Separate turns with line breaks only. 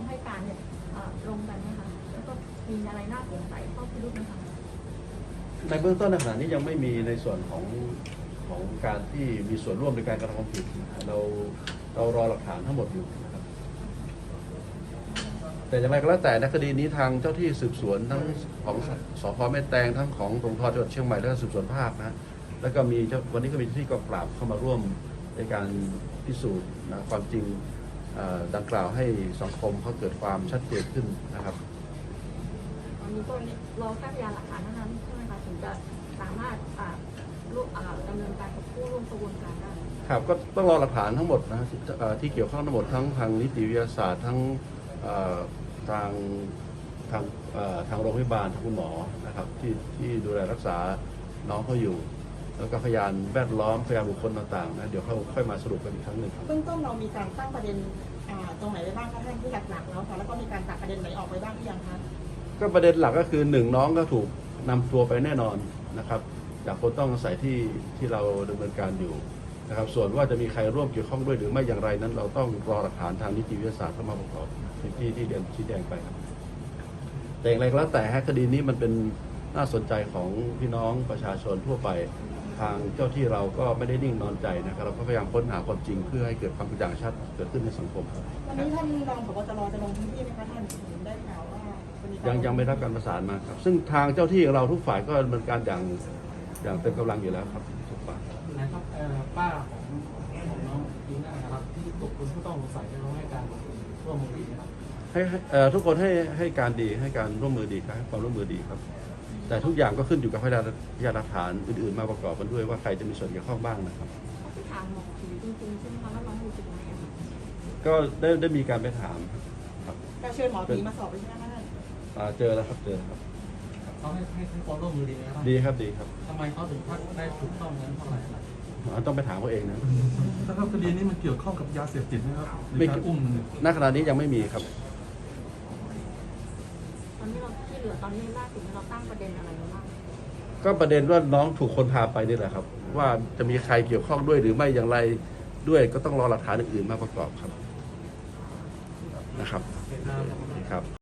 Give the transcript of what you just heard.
ให้การเนี่ยตรงกันไหมคะแล้วก็มีอะไรน่าสงสัยข้อพิรุธไหมคะ
ในเบื้องต้นในขณะนี้ยังไม่มีในส่วนของการที่มีส่วนร่วมในการกระทำความผิดเรารอหลักฐานทั้งหมดอยู่นะครับแต่อย่างไรก็แล้วแต่ในคดีนี้ทางเจ้าที่สืบสวนทั้งของสพ.แม่แตงทั้งของตท.จังหวัดเชียงใหม่และสืบสวนภาคนะแล้วก็มีวันนี้ก็มีเจ้าที่กองปราบเข้ามาร่วมในการพิสูจน์ความจริงดังกล่าวให้สังคมเขาเกิดความชัดเจนขึ้นนะครับ
ตอนนี้ก็รอแค่พยานหลักฐานเท่านั้นใช่ไหมคะถึงจะสามารถดำเนินการกับผู้ร่วมกระบวนการได้
ครับก็ต้องรอหลักฐานทั้งหมดนะที่เกี่ยวข้องทั้งหมดทั้งทางนิติวิทยาศาสตร์ทั้งทางโรงพยาบาลทางคุณหมอนะครับที่ดูแลรักษาน้องเขาอยู่แล้วก็พยานแวดล้อมพยานบุคคลต่างๆนะเดี๋ยวเขาค่อยมาสรุปกันอีกครั้งหนึ่งครับ
เบื้องต้นเรามีการตั้งประเด็นตรงไหนไว้บ้างคะท่านที่หลักๆแล้วค่ะแล้วก็มีการตัดประเด็นไหนออกไปบ้างหรือยังคะ
ก็ประเด็นหลักก็คือหนึ่งน้องก็ถูกนำตัวไปแน่นอนนะครับจากคนต้องอาศัยที่เราดำเนินการอยู่นะครับส่วนว่าจะมีใครร่วมเกี่ยวข้องด้วยหรือไม่อย่างไรนั้นเราต้องรอหลักฐานทางนิติวิทยาศาสตร์เข้ามาประกอบที่เรียนชี้แจงไปครับแต่อย่างไรก็แล้วแต่คดีนี้มันเป็นน่าสนใจของพี่น้องประชาชนทั่วไปทางเจ้าที่เราก็ไม่ได้นิ่งนอนใจนะครับเราก็พยายามค้นหาความจริงเพื่อให้เกิดความกระจ่างชัดเกิดขึ้นในสังคมครับ
วันนี้ท่านรองผบ.ตร.จะลงพื้นที่ไหมคะท่านได้ข่าวว่า
ยังไม่รับการประสานมาครับซึ่งทางเจ้าที่ของเราทุกฝ่ายก็ดำเนินการอย่างเต็มกำลังอยู่แล้วครับทุกฝ่าย
นะครับป้าของน้องจีน่านะครับที่ตกเป็นผู้ต้องสงสัยน้องให้การร่วมมือดีนะครับ
ทุกคนให้การดีให้การร่วมมือดีครับให้ความร่วมมือดีครับแต่ทุกอย่างก็ขึ้นอยู่กับพยานหลักฐานอื่นๆมาประกอบกันด้วยว่าใครจะมีส่วนเกี่ยวข้องบ้างนะครับ
ที่ถามหมอผีจริงๆใช่ไหมคะว่าน้องอยู่จุดไหนอะ
ก็ได้มีการไปถามครับ
ก็เชิญหมอผีมาสอบไปใช่ไหมท่าน
เจอแล้วครับ
เขาให้ความร่วมมือดีไหมครับ
ดีครับ
ทำไมเขาถึงได้ถูกต้องนั้นเท่าไหร่
ต้องไปถามเขาเองนะ
ถ้าคดีนี้มันเกี่ยวข้องกับยาเสพติดไหมครับ
ไม่อุ้มณขณะนี้ยังไม่มีครับ
ตอนนี้เราที่เหลือตอนนี้ล่าสุดเราตั้งประเด็นอะไรบ้าง
ก็ประเด็นว่าน้องถูกคนพาไปนี่แหละครับว่าจะมีใครเกี่ยวข้องด้วยหรือไม่อย่างไรด้วยก็ต้องรอหลักฐานอื่นๆมาประกอบครับนะครับ